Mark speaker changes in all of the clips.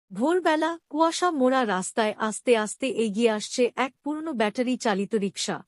Speaker 1: ভোরবেলা কুয়াশা মোড়া রাস্তায় আস্তে আস্তে এগিয়ে আসছে এক পুরনো ব্যাটারি চালিত রিকশা।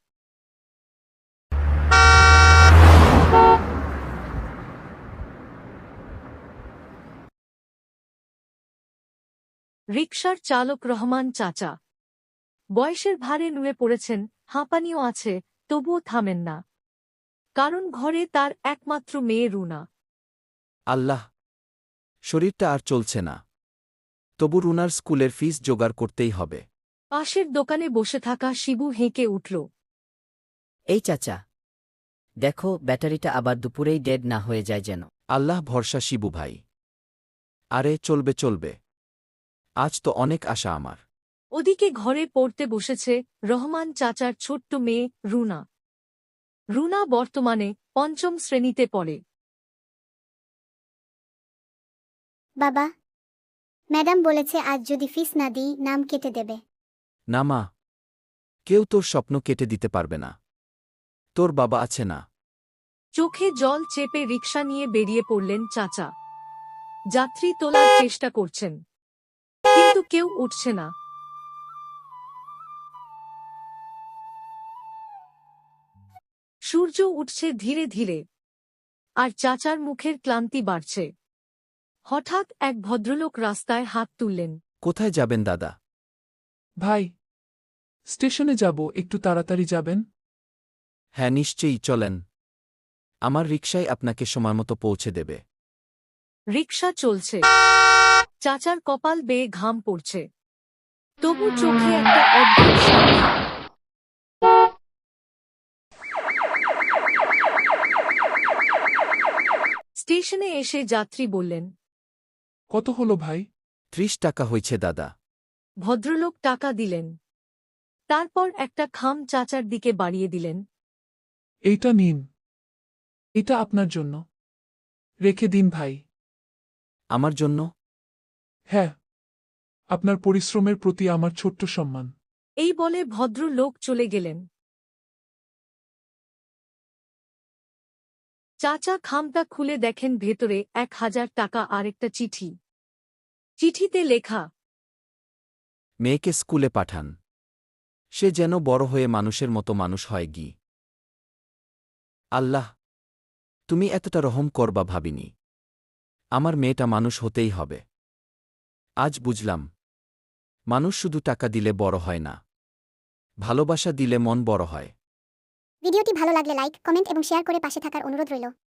Speaker 1: রিকশার চালক রহমান চাচা বয়সের ভারে নুয়ে পড়েছেন, হাঁপানিও আছে, তবুও থামেন না। কারণ ঘরে তার একমাত্র মেয়ে রুনা।
Speaker 2: আল্লাহ! শরীরটা আর চলছে না। তবু রুনার স্কুলের ফিস জোগাড় করতেই হবে।
Speaker 1: পাশের দোকানে বসে থাকা শিবু হেঁকে উঠল।
Speaker 3: এই চাচা, দেখো ব্যাটারিটা আবার দুপুরেই ডেড না হয়ে যায় যেন।
Speaker 2: আল্লাহ ভরসা শিবু ভাই। আরে চলবে চলবে, আজ তো অনেক আশা আমার।
Speaker 1: ওদিকে ঘরে পড়তে বসেছে রহমান চাচার ছোট্ট মেয়ে রুনা। রুনা বর্তমানে ৫ম শ্রেণীতে পড়ে।
Speaker 4: বাবা, ম্যাডাম বলেছে আজ যদি ফিস না দিই নাম কেটে দেবে।
Speaker 2: না মা, কেউ তোর স্বপ্ন কেটে দিতে পারবে না। তোর বাবা আছে না।
Speaker 1: চোখে জল চেপে রিকশা নিয়ে বেরিয়ে পড়লেন চাচা। যাত্রী তোলার চেষ্টা করছেন, কিন্তু কেউ উঠছে না। সূর্য উঠছে ধীরে ধীরে, আর চাচার মুখের ক্লান্তি বাড়ছে। হঠাৎ এক ভদ্রলোক রাস্তায় হাত তুললেন।
Speaker 2: কোথায় যাবেন দাদা?
Speaker 5: ভাই, স্টেশনে যাব, একটু তাড়াতাড়ি যাবেন?
Speaker 2: হ্যাঁ নিশ্চয়ই, চলেন। আমার রিকশায় আপনাকে সময়মতো পৌঁছে দেবে।
Speaker 1: রিকশা চলছে, চাচার কপাল বেয়ে ঘাম পড়ছে, তবু চোখে একটা অদ্ভুত শান্তি। স্টেশনে এসে যাত্রী বললেন,
Speaker 5: কত হলো ভাই?
Speaker 2: ৩০ টাকা হয়েছে দাদা।
Speaker 1: ভদ্রলোক টাকা দিলেন। তারপর একটা খাম চাচার দিকে বাড়িয়ে দিলেন।
Speaker 5: এইটা নিন, এটা আপনার জন্য। রেখে দিন ভাই।
Speaker 2: আমার জন্য?
Speaker 5: হ্যাঁ, আপনার পরিশ্রমের প্রতি আমার ছোট্ট সম্মান।
Speaker 1: এই বলে ভদ্রলোক চলে গেলেন। চাচা খামটা খুলে দেখেন ভেতরে ১,০০০ টাকা আর একটা চিঠি। চিঠিতে লেখা,
Speaker 2: মেয়েকে স্কুলে পাঠান, সে যেন বড় হয়ে মানুষের মতো মানুষ হয় গি। আল্লাহ, তুমি এতটা রহম করবা ভাবিনি। আমার মেয়েটা মানুষ হতেই হবে। আজ বুঝলাম, মানুষ শুধু টাকা দিলে বড় হয় না, ভালোবাসা দিলে মন বড় হয়।
Speaker 4: ভিডিওটি ভালো লাগলে লাইক, কমেন্ট এবং শেয়ার করে পাশে থাকার অনুরোধ রইল।